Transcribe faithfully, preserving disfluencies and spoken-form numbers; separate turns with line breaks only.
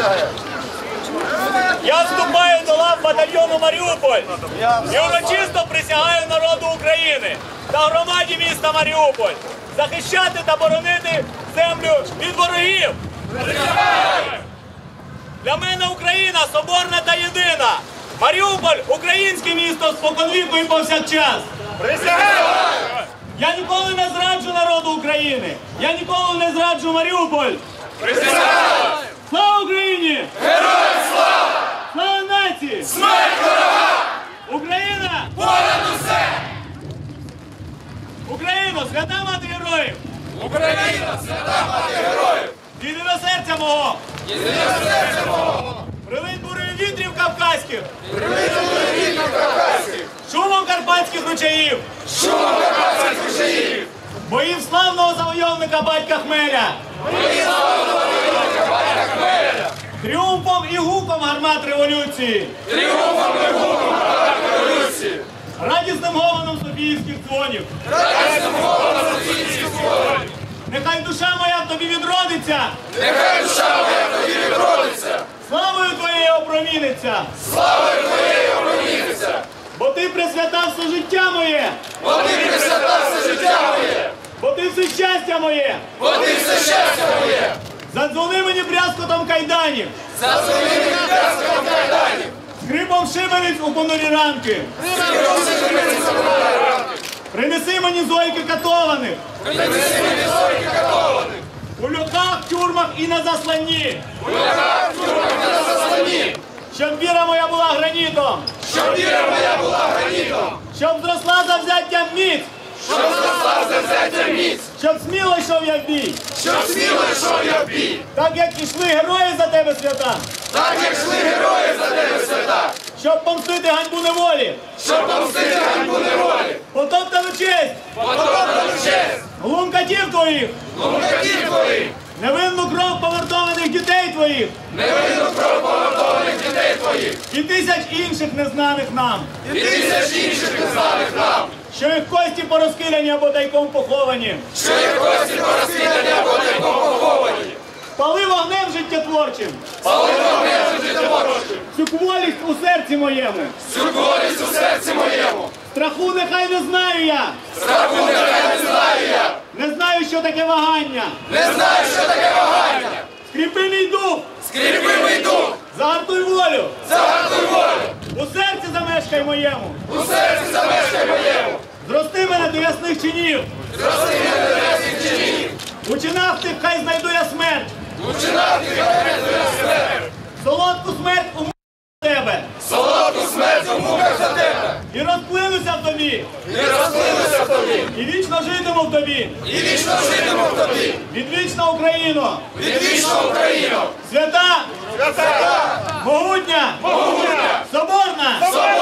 Я вступаю до лав батальйону «Маріуполь» і урочисто присягаю народу України та громаді міста Маріуполь захищати та боронити землю від ворогів. Для мене Україна соборна та єдина. Маріуполь – українське місто споконвіку і повсякчас.
Присягаю!
Я ніколи не зраджу народу України. Я ніколи не зраджу Маріуполь.
Присягаю!
Слава Україні!
Героям слава!
Слава нації!
Смерть ворога!
Україна!
Понад усе!
Україно, свята мати героїв!
Україна, свята мати героїв!
Єдине серця мого!
Єдине серця мого!
Прилинь бурею вітрів кавказьких!
Прилинь бурею вітрів кавказьких!
Шумом карпатських ручаїв!
Шумом карпатських ручаїв!
Боїв славного завойовника батька Хмеля!
Боїв славного завойовника батька Хмеля!
Тріумфом і гуком гармат революції!
Тріумфом і гуком гармат революції!
Радісним гомоном софіївських дзвонів!
Радісним гомоном софіївських дзвонів!
Нехай душа моя в тобі відродиться!
Нехай душа моя в тобі відродиться!
Славою твоєю опроміниться!
Славою твоєю опроміниться!
Бо ти присвятав все життя моє!
Бо ти присвятав все життя моє!
Бо ти все щастя моє!
Бо ти все щастя моє!
Задзвони мені брязкотом кайданів!
Зазвони мені брязкотом кайданів!
Скрипом шибениць у понурі ранки!
Скрипом шибениць у понурі ранки!
Принеси мені зойки катованих!
Принеси мені зойки катованих!
У льохах, тюрмах і на засланні!
У льохах, тюрмах і на засланні!
Щоб віра моя була гранітом!
Щоб віра моя була гранітом!
Щоб зросла завзяття міць!
Щоб зросла завзяття міць!
Щоб сміло йшов я в бій!
Щоб сміло йшов я в бій!
Так як ішли герої за тебе свята!
Так як йшли герої за тебе свята!
Щоб помстити ганьбу неволі!
Щоб помстити ганьбу неволі!
Потоптану честь!
Потоптану честь!
Глум катів твоїх!
Лумкатів твоїх!
Невинну кров повертованих дітей твоїх!
Невинну кров повертованих дітей твоїх!
І тисяч інших незнаних нам!
І тисяч інших незнаних нам!
Що їх кості порозкидані або тайком поховані!
Що їх кості порозкидані або тайком поховані!
Пали вогнем життєтворчим!
Пали вогнем життєтворчим!
Цю кволість у серці моєму!
Цю кволість у серці моєму!
Страху нехай не знаю я!
Страху нехай не знаю я!
Не знаю, що таке вагання!
Не знаю, що таке вагання!
Скріпи мій дух!
Скріпи мій дух!
Загартуй волю!
Загартуй волю!
У серці замешкай моєму!
У серці замешкай моєму!
Зрости мене до ясних чинів!
Зрости мене до ясних чинів!
У чинах тих хай знайду я смерть!
У чинах ти знайду я смерть!
Солодку смерть у муках за тебе!
Солодку смерть у муках за тебе!
І розплинуся в тобі!
І розплинуся в тобі!
І вічно житиму в тобі!
І вічно житиму в тобі!
Відвічна Україно!
Відвічна Україно!
Свята!
Свята!
Могутня!
Могутня!
Соборна!
Соборна!